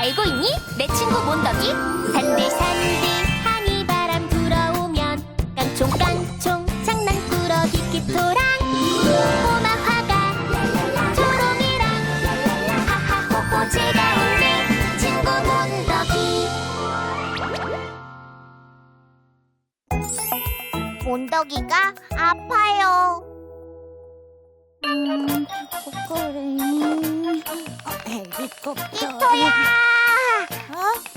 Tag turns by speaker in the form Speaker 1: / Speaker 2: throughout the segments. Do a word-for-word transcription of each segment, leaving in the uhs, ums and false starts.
Speaker 1: 알고 있니? 내 친구 몬더기 산들산들 하니바람 불어오면 깡총깡총 장난꾸러기 키토랑 꼬마화가 초롱이랑 하하호호 즐거운 내 친구 몬더기. 몬더기가 아파요. 음, 코코링 헬리콥터 이토야! 어?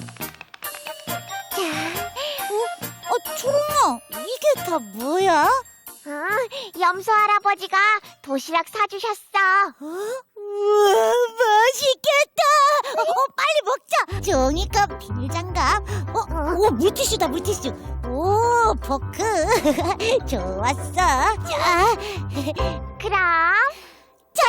Speaker 1: 자, 어? 어, 초롱아, 이게 다 뭐야? 어, 염소 할아버지가 도시락 사주셨어. 어? 우와, 맛있겠다! 어, 어, 빨리 먹자! 종이컵, 비닐장갑, 어, 오, 물티슈다, 물티슈. 오, 포크. 좋았어. 자, 그럼 잘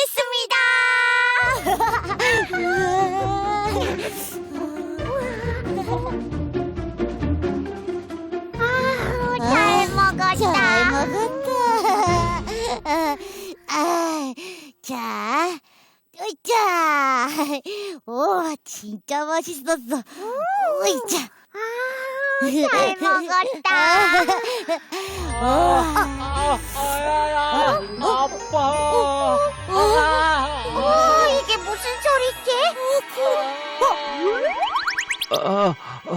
Speaker 1: 먹겠습니다. 아, 잘 먹었다. 잘 먹었다. 아, 자, 으이자. 오, 진짜 맛있었어. 으이자. 잘 먹었다.
Speaker 2: 아, 아, 아야야, 아파.
Speaker 1: 어, 이게 무슨 소리지?
Speaker 2: 아, 아,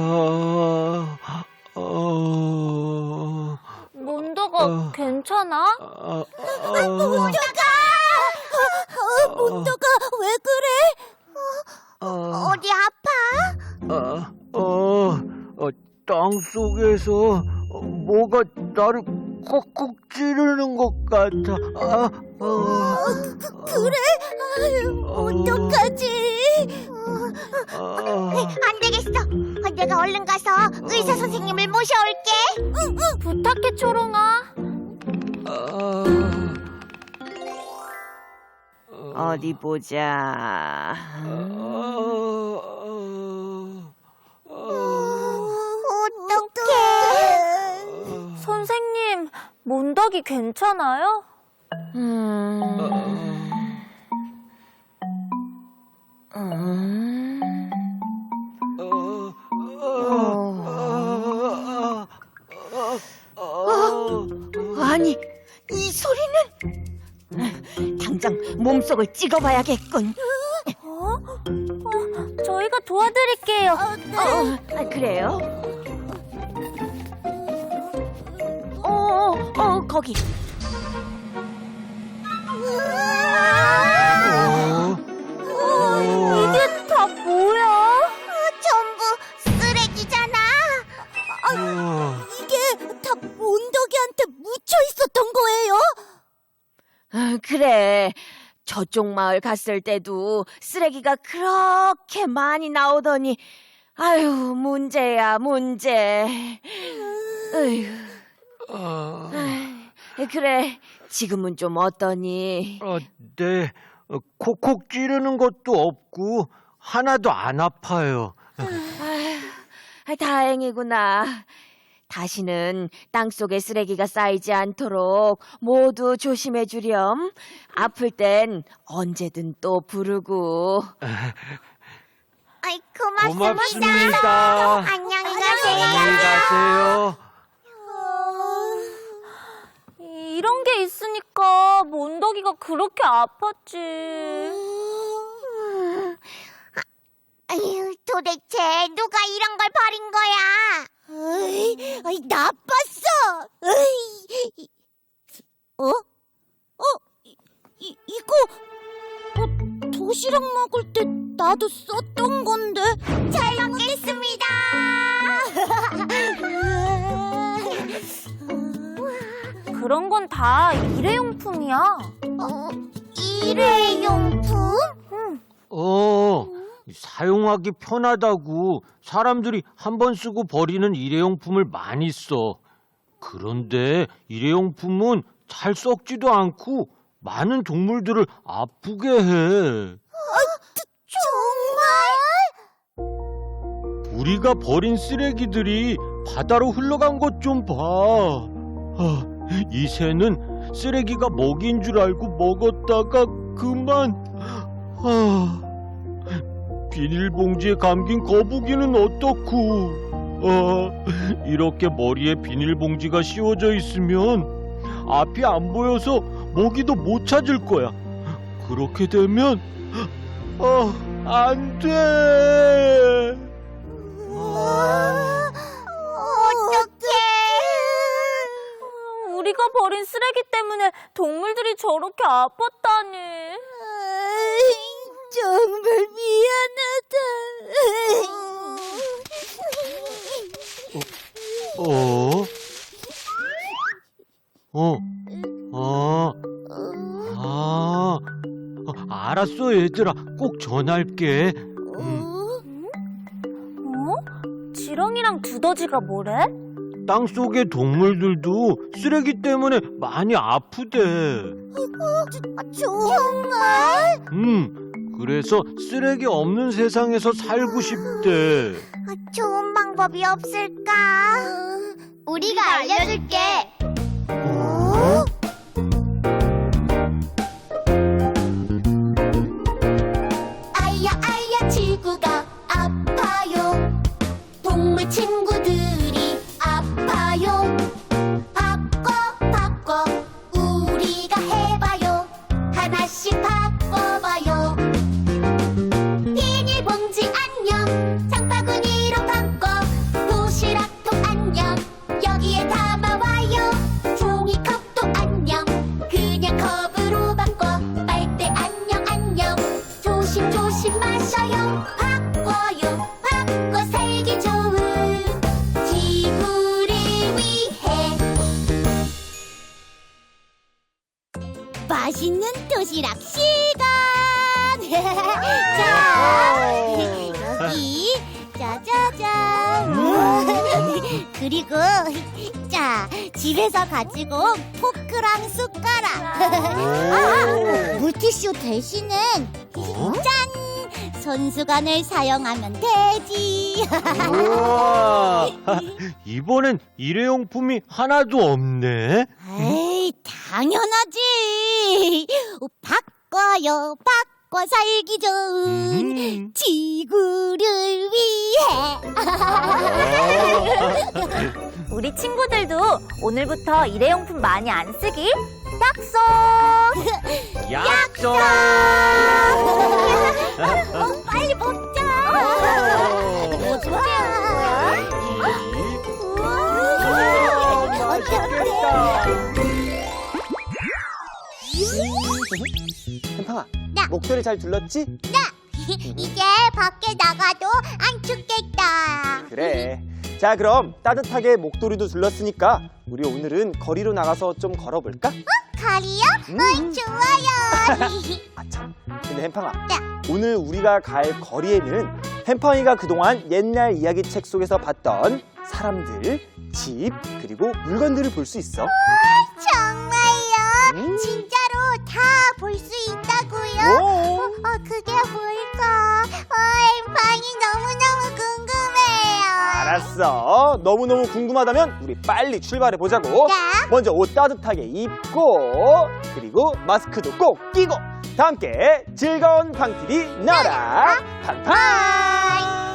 Speaker 2: 아,
Speaker 1: 몬더가
Speaker 2: 어.
Speaker 1: 괜찮아?
Speaker 2: 아,
Speaker 1: 몬더가! 어, 몬더가 왜 그래?
Speaker 2: 아,
Speaker 1: 어디 아파?
Speaker 2: 아, 어, 어, 땅 속에서 뭐가 나를 콕콕 찌르는 것 같아. 아, 아,
Speaker 1: 그래? 아유, 어떡하지?
Speaker 2: 아,
Speaker 1: 안 되겠어. 내가 얼른 가서 의사 선생님을 모셔올게. 응, 응. 부탁해, 초롱아.
Speaker 2: 아,
Speaker 3: 어디 보자.
Speaker 1: 어떡해. 선생님, 몬더기 괜찮아요?
Speaker 3: 음. 음. 아니, 이 소리는 당장 몸속을 찍어봐야겠군.
Speaker 1: 어? 어, 저희가 도와드릴게요.
Speaker 3: 어, 아, 그래요? 어, 어, 어, 거기.
Speaker 1: 이게 다 뭐야? 전부 쓰레기잖아. 이게 다 몬더기한테 묻혀 있었던 거예요?
Speaker 3: 아, 그래. 저쪽 마을 갔을 때도 쓰레기가 그렇게 많이 나오더니 아유, 문제야, 문제. 어휴.
Speaker 2: 아,
Speaker 3: 아이, 그래, 지금은 좀 어떠니?
Speaker 2: 어, 네, 어, 콕콕 찌르는 것도 없고 하나도 안 아파요.
Speaker 3: 아휴, 다행이구나. 다시는 땅속에 쓰레기가 쌓이지 않도록 모두 조심해 주렴. 아플 땐 언제든 또 부르고.
Speaker 1: 아이, 고맙습니다.
Speaker 2: 고맙습니다.
Speaker 1: 안녕히
Speaker 2: 안녕히
Speaker 1: 가세요.
Speaker 2: 가세요.
Speaker 1: 이런 게 있으니까 몬더기가 그렇게 아팠지. 아유, 도대체 누가 이런 걸 버린 거야? 어이, 어이, 나빴어. 어이. 어? 어? 이, 이, 이거 어, 도시락 먹을 때 나도 썼던 건데. 잘 먹겠습니다. 그런 건 다 일회용품이야. 어? 일회용품? 응.
Speaker 2: 어, 사용하기 편하다고 사람들이 한 번 쓰고 버리는 일회용품을 많이 써. 그런데 일회용품은 잘 썩지도 않고 많은 동물들을 아프게 해.
Speaker 1: 정말?
Speaker 2: 우리가 버린 쓰레기들이 바다로 흘러간 것 좀 봐. 아, 이 새는 쓰레기가 먹이인 줄 알고 먹었다가 그만. 아, 비닐봉지에 감긴 거북이는 어떻고? 아, 이렇게 머리에 비닐봉지가 씌워져 있으면 앞이 안 보여서 모기도 못 찾을 거야. 그렇게 되면 아, 안 돼.
Speaker 1: 어떡해.
Speaker 4: 우리가 버린 쓰레기 때문에 동물들이 저렇게 아팠다니.
Speaker 1: 정말 미안하다.
Speaker 2: 어? 어? 아, 아, 아, 알았어, 얘들아. 꼭 전할게. 음,
Speaker 4: 어? 지렁이랑 두더지가 뭐래?
Speaker 2: 땅 속의 동물들도 쓰레기 때문에 많이 아프대.
Speaker 1: 정말?
Speaker 2: 음, 그래서 쓰레기 없는 세상에서 살고 싶대.
Speaker 1: 좋은 방법이 없을까? 우리가 알려줄게. 어?
Speaker 5: 아야 아야 지구가 아파요. 동물 친구들이 아파요. 바꿔 바꿔 우리가 해봐요. 하나씩 바꿔봐요. 비닐봉지 안녕. 장바구니로 바꿔. 도시락통 안녕. 여기에 담아와요. 종이컵도 안녕. 그냥 컵으로 바꿔. 빨대 안녕 안녕. 조심조심 마셔요. 바꿔요. 바꿔 살기 좋은 지구를 위해.
Speaker 1: 맛있는 도시락 시간! 자, 여기 짜자잔. 그리고 자, 집에서 가지고 온 포크랑 숟가락. 아, 물티슈 대신엔
Speaker 2: 어?
Speaker 1: 짠! 손수건을 사용하면 되지.
Speaker 2: 우와, 이번엔 일회용품이 하나도 없네.
Speaker 1: 에이, 당연하지. 바꿔요, 바꿔 살기 좋은
Speaker 2: 음.
Speaker 1: 지구를 위해.
Speaker 4: 우리 친구들도 오늘부터 일회용품 많이 안 쓰기 약속!
Speaker 2: 약속.
Speaker 1: 어, 빨리 먹자.
Speaker 4: 뭐 준비한 거야?
Speaker 2: 우와, 맛있겠다.
Speaker 6: 햄팡아,
Speaker 1: 나.
Speaker 6: 목소리 잘 들렸지?
Speaker 1: 이제 밖에 나가도 안 춥겠다.
Speaker 6: 그래. 자, 그럼 따뜻하게 목도리도 둘렀으니까 우리 오늘은 거리로 나가서 좀 걸어볼까?
Speaker 1: 가리요?
Speaker 6: 음.
Speaker 1: 어, 좋아요.
Speaker 6: 아, 참. 근데 햄팡아,
Speaker 1: 네.
Speaker 6: 오늘 우리가 갈 거리에는 햄팡이가 그동안 옛날 이야기 책 속에서 봤던 사람들, 집, 그리고 물건들을 볼 수 있어.
Speaker 1: 정말요?
Speaker 6: 음.
Speaker 1: 진짜로 다 볼 수 있다고요?
Speaker 6: 오.
Speaker 1: 어, 어, 그게 뭘까? 어, 방이 너무너무 궁금해요.
Speaker 6: 알았어. 너무너무 궁금하다면 우리 빨리 출발해보자고.
Speaker 1: 네.
Speaker 6: 먼저 옷 따뜻하게 입고, 그리고 마스크도 꼭 끼고, 다 함께 즐거운 팡티비 나라 팡팡!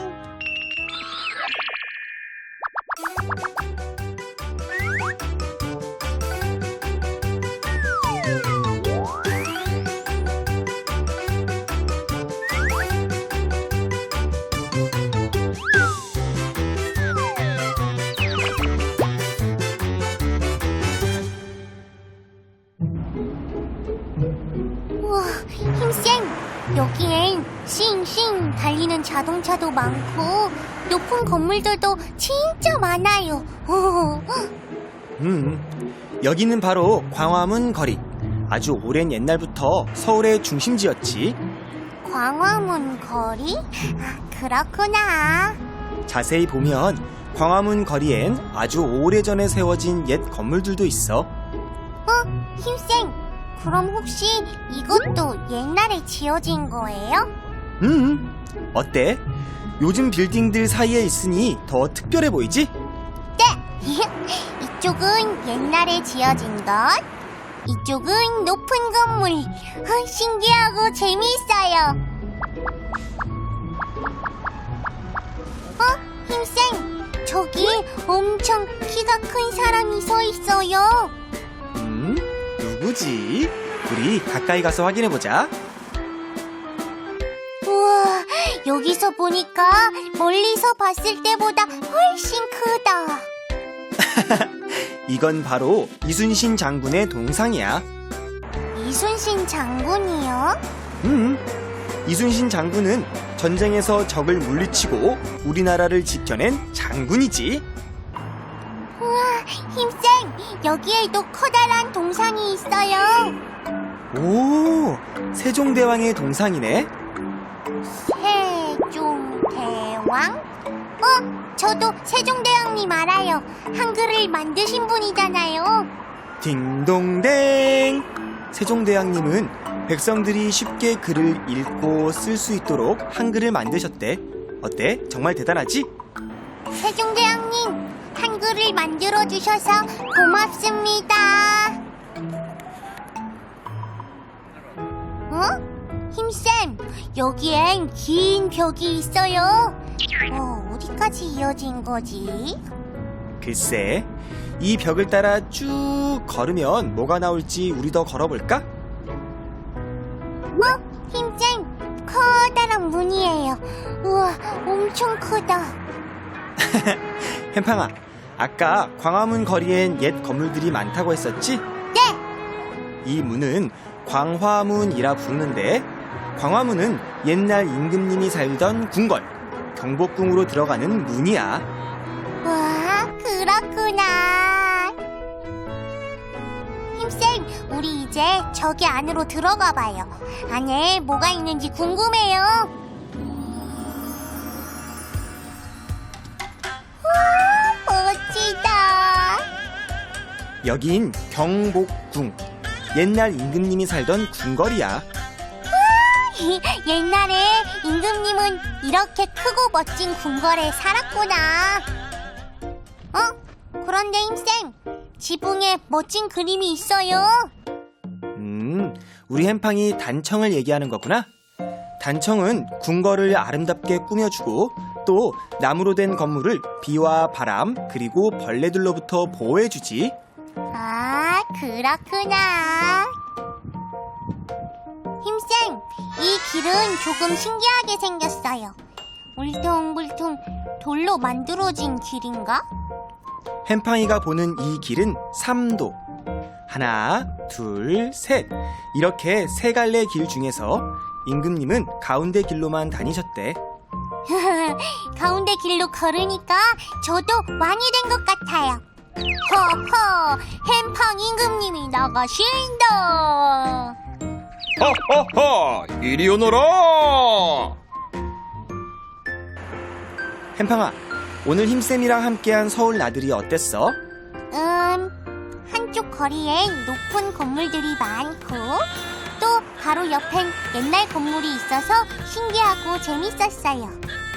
Speaker 1: 우와, 힘쌤, 여기엔 싱싱 달리는 자동차도 많고 높은 건물들도 진짜 많아요. 오.
Speaker 7: 음, 여기는 바로 광화문 거리. 아주 오랜 옛날부터 서울의 중심지였지.
Speaker 1: 광화문 거리? 아, 그렇구나.
Speaker 7: 자세히 보면 광화문 거리엔 아주 오래전에 세워진 옛 건물들도 있어.
Speaker 1: 어? 힘쌤, 그럼 혹시 이것도 옛날에 지어진 거예요?
Speaker 7: 음, 어때? 요즘 빌딩들 사이에 있으니 더 특별해 보이지?
Speaker 1: 이쪽은 옛날에 지어진 것, 이쪽은 높은 건물. 아, 신기하고 재미있어요. 힘쌤, 저기 엄청 키가 큰 사람이 서 있어요.
Speaker 7: 음? 누구지? 우리 가까이 가서 확인해보자.
Speaker 1: 우와, 여기서 보니까 멀리서 봤을 때보다 훨씬 크다.
Speaker 7: 이건 바로 이순신 장군의 동상이야.
Speaker 1: 이순신 장군이요?
Speaker 7: 음, 이순신 장군은 전쟁에서 적을 물리치고 우리나라를 지켜낸 장군이지.
Speaker 1: 힘쌤, 여기에도 커다란 동상이 있어요.
Speaker 7: 오, 세종대왕의 동상이네.
Speaker 1: 세종대왕? 어, 저도 세종대왕님 알아요. 한글을 만드신 분이잖아요.
Speaker 7: 딩동댕. 세종대왕님은 백성들이 쉽게 글을 읽고 쓸 수 있도록 한글을 만드셨대. 어때? 정말 대단하지?
Speaker 1: 세종대왕님, 한글을 만들어주셔서 고맙습니다. 어? 힘쌤, 여기엔 긴 벽이 있어요. 어, 어디까지 이어진 거지?
Speaker 7: 글쎄, 이 벽을 따라 쭉 걸으면 뭐가 나올지 우리 더 걸어볼까?
Speaker 1: 어? 힘쌤, 커다란 문이에요. 우와, 엄청 크다.
Speaker 7: 햄팡아, 아까 광화문 거리엔 옛 건물들이 많다고 했었지?
Speaker 1: 네!
Speaker 7: 이 문은 광화문이라 부르는데, 광화문은 옛날 임금님이 살던 궁궐, 경복궁으로 들어가는 문이야.
Speaker 1: 와, 그렇구나. 힘쌤, 우리 이제 저기 안으로 들어가 봐요. 안에 뭐가 있는지 궁금해요. 우와, 멋지다.
Speaker 7: 여긴 경복궁, 옛날 임금님이 살던 궁궐이야.
Speaker 1: 옛날에 임금님은 이렇게 크고 멋진 궁궐에 살았구나. 어? 그런데 힘쌤, 지붕에 멋진 그림이 있어요.
Speaker 7: 음, 우리 햄팡이 단청을 얘기하는 거구나. 단청은 궁궐을 아름답게 꾸며주고 또 나무로 된 건물을 비와 바람 그리고 벌레들로부터 보호해주지.
Speaker 1: 아, 그렇구나. 힘쌤, 이 길은 조금 신기하게 생겼어요. 울퉁불퉁 돌로 만들어진 길인가?
Speaker 7: 햄팡이가 보는 이 길은 삼도. 하나, 둘, 셋. 이렇게 세 갈래 길 중에서 임금님은 가운데 길로만 다니셨대.
Speaker 1: 가운데 길로 걸으니까 저도 왕이 된 것 같아요. 허허, 햄팡 임금님이 나가신다.
Speaker 8: 하하하! 이리 오너라!
Speaker 7: 햄팡아, 오늘 힘쌤이랑 함께한 서울 나들이 어땠어?
Speaker 1: 음, 한쪽 거리엔 높은 건물들이 많고 또 바로 옆엔 옛날 건물이 있어서 신기하고 재밌었어요.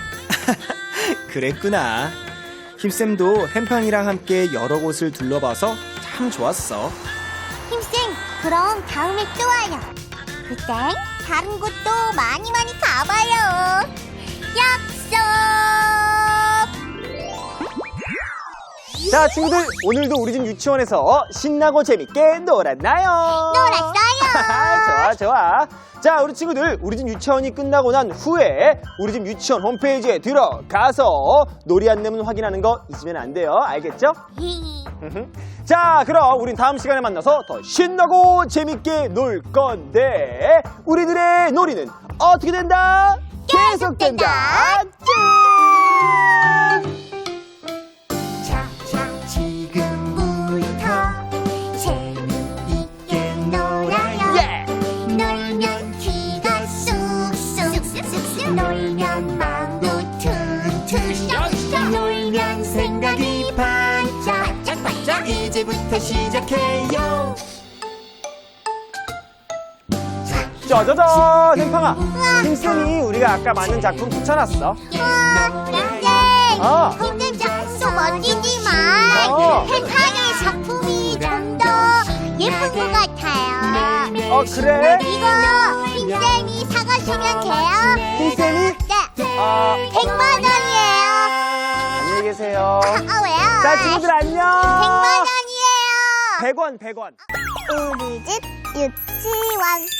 Speaker 7: 그랬구나. 힘쌤도 햄팡이랑 함께 여러 곳을 둘러봐서 참 좋았어.
Speaker 1: 힘쌤, 그럼 다음에 또 와요. 그땐 다른 곳도 많이 많이 가봐요. 약속!
Speaker 6: 자, 친구들, 오늘도 우리 집 유치원에서 신나고 재밌게 놀았나요?
Speaker 1: 놀았어요.
Speaker 6: 좋아, 좋아. 자, 우리 친구들, 우리 집 유치원이 끝나고 난 후에 우리 집 유치원 홈페이지에 들어가서 놀이 안내문 확인하는 거 잊으면 안 돼요. 알겠죠? 자, 그럼 우린 다음 시간에 만나서 더 신나고 재밌게 놀 건데 우리들의 놀이는 어떻게 된다? 계속된다. 쭉!
Speaker 5: 자, 지금부터 재미있게 놀아요.
Speaker 6: 예!
Speaker 5: 놀면 귀가 쑥쑥 놀면 마음도 튼튼 놀면 생각이 반짝반짝 이제부터 시작해요.
Speaker 6: 짜자잔! 햄팡아, 힘쌤이 우리가 아까 만든 작품 붙여놨어.
Speaker 1: 힘쌤,
Speaker 6: 어.
Speaker 1: 힘쌤 작품도 멋지지만
Speaker 6: 어.
Speaker 1: 햄팡의 작품이 좀 더 예쁜 것 같아요.
Speaker 6: 어, 그래?
Speaker 1: 이거 힘쌤이 사가시면 돼요.
Speaker 6: 힘쌤이?
Speaker 1: 네,
Speaker 6: 아,
Speaker 1: 백만 원이에요.
Speaker 6: 자, 친구들 안녕.
Speaker 1: 백 만 원이에요.
Speaker 6: 백 원, 백 원.
Speaker 1: 우리 집 유치원.